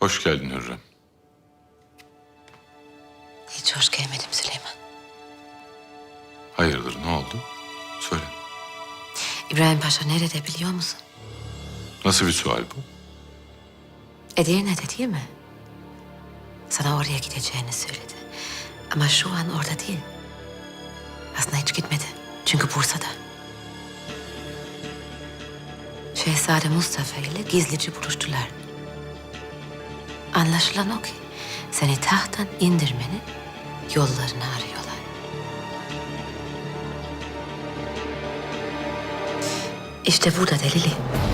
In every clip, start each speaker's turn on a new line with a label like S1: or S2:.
S1: Hoş geldin Hürrem.
S2: Hiç hoş gelmedim Süleyman.
S1: Hayırdır, ne oldu? Söyle.
S2: İbrahim Paşa nerede biliyor musun?
S1: Nasıl bir sual bu?
S2: Edirne'de değil mi? Sana oraya gideceğini söyledi. Ama şu an orada değil. Aslında hiç gitmedi. Çünkü Bursa'da. Şehzade Mustafa ile gizlice buluştular. Anlaşılan o ki seni tahttan indirmenin yollarını arıyorlar. İşte burada delili.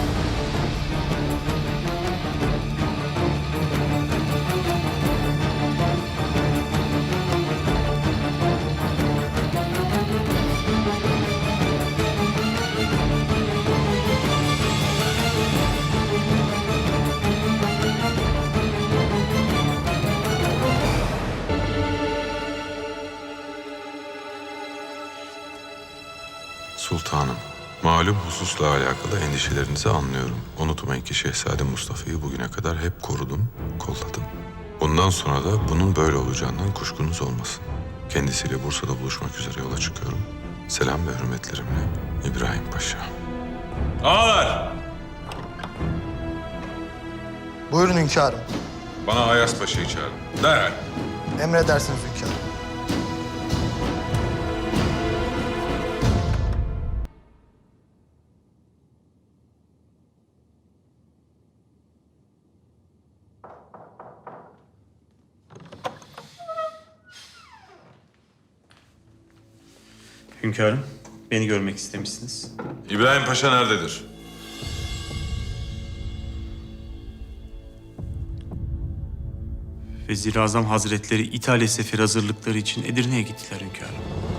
S1: Sultanım, malum hususla alakalı endişelerinizi anlıyorum. Unutmayın ki Şehzade Mustafa'yı bugüne kadar hep korudum, kolladım. Bundan sonra da bunun böyle olacağından kuşkunuz olmasın. Kendisiyle Bursa'da buluşmak üzere yola çıkıyorum. Selam ve hürmetlerimle İbrahim Paşa. Ağalar!
S3: Buyurun hünkârım.
S1: Bana Ayas Paşa'yı çağırın. Derhal.
S3: Emredersiniz hünkârım.
S4: Hünkârım, beni görmek istemişsiniz.
S1: İbrahim Paşa nerededir?
S4: Vezir-i Azam Hazretleri İtalya seferi hazırlıkları için Edirne'ye gittiler hünkârım.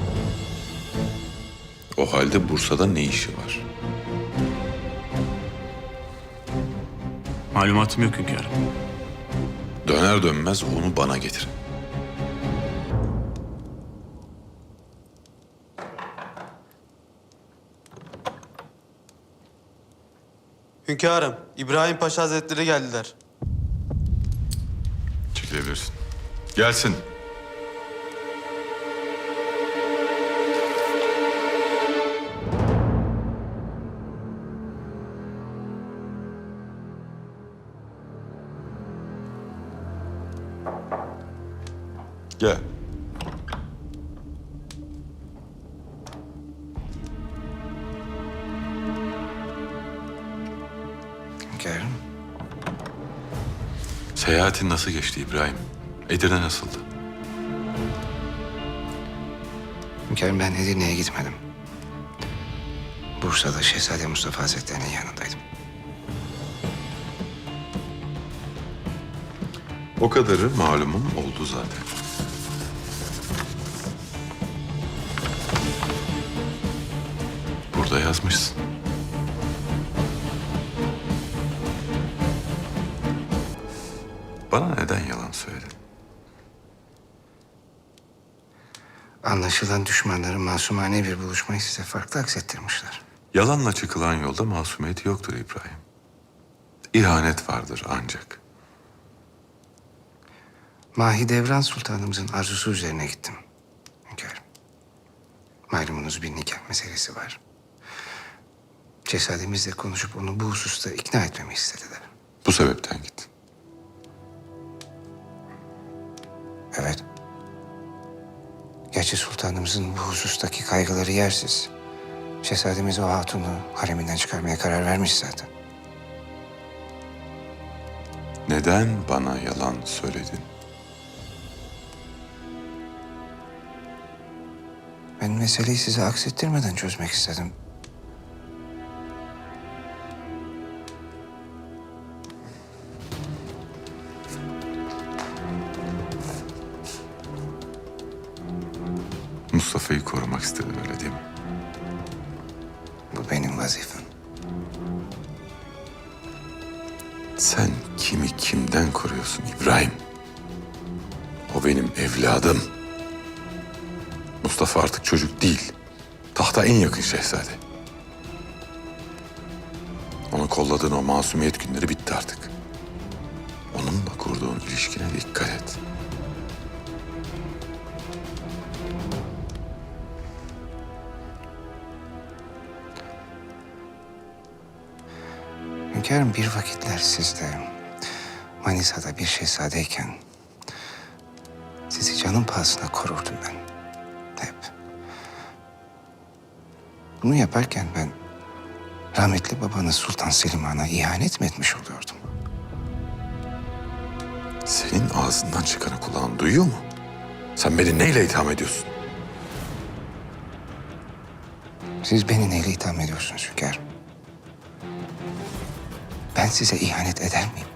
S1: O halde Bursa'da ne işi var?
S4: Malumatım yok hünkârım.
S1: Döner dönmez onu bana getirin.
S5: Hünkârım, İbrahim Paşa Hazretleri geldiler.
S1: Çekilebilirsin. Gelsin. Gel.
S6: Hünkârım.
S1: Seyahatin nasıl geçti İbrahim? Edirne nasıldı?
S6: Hünkârım, ben Edirne'ye gitmedim. Bursa'da Şehzade Mustafa Hazretleri'nin yanındaydım.
S1: O kadarı malumum oldu zaten. Burada yazmışsın. Bana neden yalan söyledin?
S6: Anlaşılan düşmanların masumane bir buluşmayı size farklı aksettirmişler.
S1: Yalanla çıkılan yolda masumiyet yoktur İbrahim. İhanet vardır ancak.
S6: Mahidevran Sultanımızın arzusu üzerine gittim. Hünkârım. Malumunuz bir nikah meselesi var. Şehzademizle konuşup onu bu hususta ikna etmemi istediler.
S1: Bu sebepten gittin.
S6: Evet. Gerçi sultanımızın bu husustaki kaygıları yersiz. Şehzademiz o hatunu hareminden çıkarmaya karar vermiş zaten.
S1: Neden bana yalan söyledin?
S6: Ben meseleyi size aksettirmeden çözmek istedim.
S1: Mustafa'yı korumak istedin öyle değil mi?
S6: Bu benim vazifem.
S1: Sen kimi kimden koruyorsun İbrahim? O benim evladım. Mustafa artık çocuk değil. Tahta en yakın şehzade. Onu kolladığın o masumiyet günleri bitti artık. Onu onunla kurduğun ilişkine dikkat et.
S6: Hünkârım, bir vakitler siz de Manisa'da bir şehzadeyken sizi canım pahasına korurdum ben. Hep. Bunu yaparken ben rahmetli babanız Sultan Selim Han'a ihanet mi etmiş oluyordum?
S1: Senin ağzından çıkanı kulağın duyuyor mu? Sen beni neyle itham ediyorsun?
S6: Siz beni neyle itham ediyorsunuz hünkârım? Ben size ihanet eder miyim?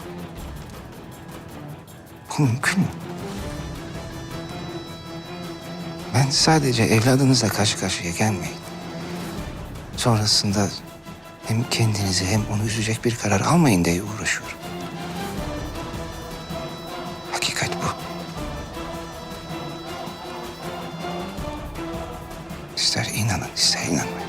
S6: Bu mümkün mü? Ben sadece evladınızla karşı karşıya gelmeyin. Sonrasında hem kendinizi hem onu üzecek bir karar almayın diye uğraşıyorum. Hakikat bu. İster inanın, ister inanmayın.